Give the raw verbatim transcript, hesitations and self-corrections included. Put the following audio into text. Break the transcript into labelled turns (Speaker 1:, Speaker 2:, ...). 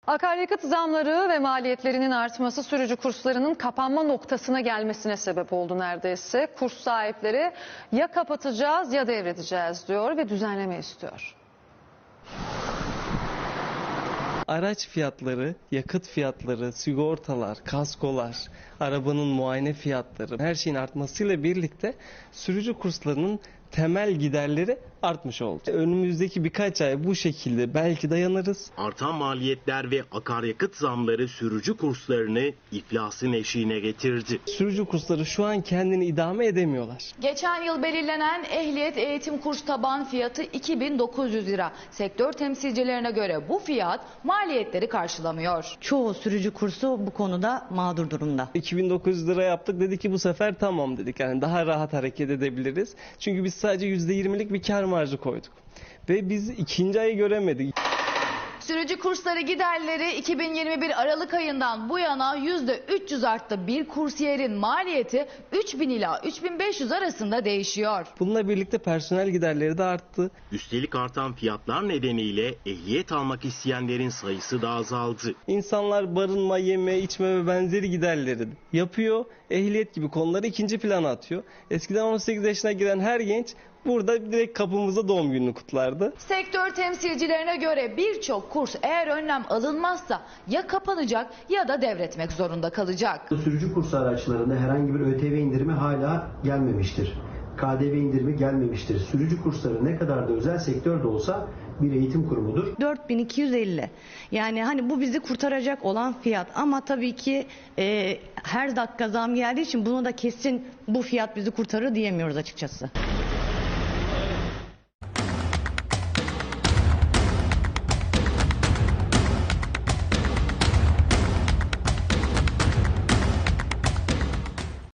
Speaker 1: Akaryakıt zamları ve maliyetlerinin artması sürücü kurslarının kapanma noktasına gelmesine sebep oldu neredeyse. Kurs sahipleri ya kapatacağız ya devredeceğiz diyor ve düzenleme istiyor.
Speaker 2: Araç fiyatları, yakıt fiyatları, sigortalar, kaskolar, arabanın muayene fiyatları, her şeyin artmasıyla birlikte sürücü kurslarının temel giderleri artmış oldu. Önümüzdeki birkaç ay bu şekilde belki dayanırız.
Speaker 3: Artan maliyetler ve akaryakıt zamları sürücü kurslarını iflasın eşiğine getirdi.
Speaker 2: Sürücü kursları şu an kendini idame edemiyorlar.
Speaker 4: Geçen yıl belirlenen ehliyet eğitim kurs taban fiyatı iki bin dokuz yüz lira. Sektör temsilcilerine göre bu fiyat maliyetleri karşılamıyor.
Speaker 5: Çoğu sürücü kursu bu konuda mağdur durumda.
Speaker 2: iki bin dokuz yüz lira yaptık, dedi ki bu sefer tamam dedik. Yani daha rahat hareket edebiliriz. Çünkü biz sadece yüzde yirmilik bir kar marjı koyduk. Ve biz ikinci ayı göremedik.
Speaker 4: Sürücü kursları giderleri iki bin yirmi bir Aralık ayından bu yana yüzde üç yüz arttı. Bir kursiyerin maliyeti üç bin ila üç bin beş yüz arasında değişiyor.
Speaker 2: Bununla birlikte personel giderleri de arttı.
Speaker 3: Üstelik artan fiyatlar nedeniyle ehliyet almak isteyenlerin sayısı da azaldı.
Speaker 2: İnsanlar barınma, yeme, içme ve benzeri giderleri yapıyor. Ehliyet gibi konuları ikinci plana atıyor. Eskiden on sekiz yaşına giren her genç burada direkt kapımızda doğum gününü kutlardı.
Speaker 4: Sektör temsilcilerine göre birçok kurs eğer önlem alınmazsa ya kapanacak ya da devretmek zorunda kalacak.
Speaker 6: Sürücü kurs araçlarında herhangi bir ÖTV indirimi hala gelmemiştir. K D V indirimi gelmemiştir. Sürücü kursları ne kadar da özel sektörde olsa bir eğitim kurumudur.
Speaker 5: dört bin iki yüz elli. Yani hani bu bizi kurtaracak olan fiyat ama tabii ki e, her dakika zam geldiği için bunu da kesin bu fiyat bizi kurtarır diyemiyoruz açıkçası.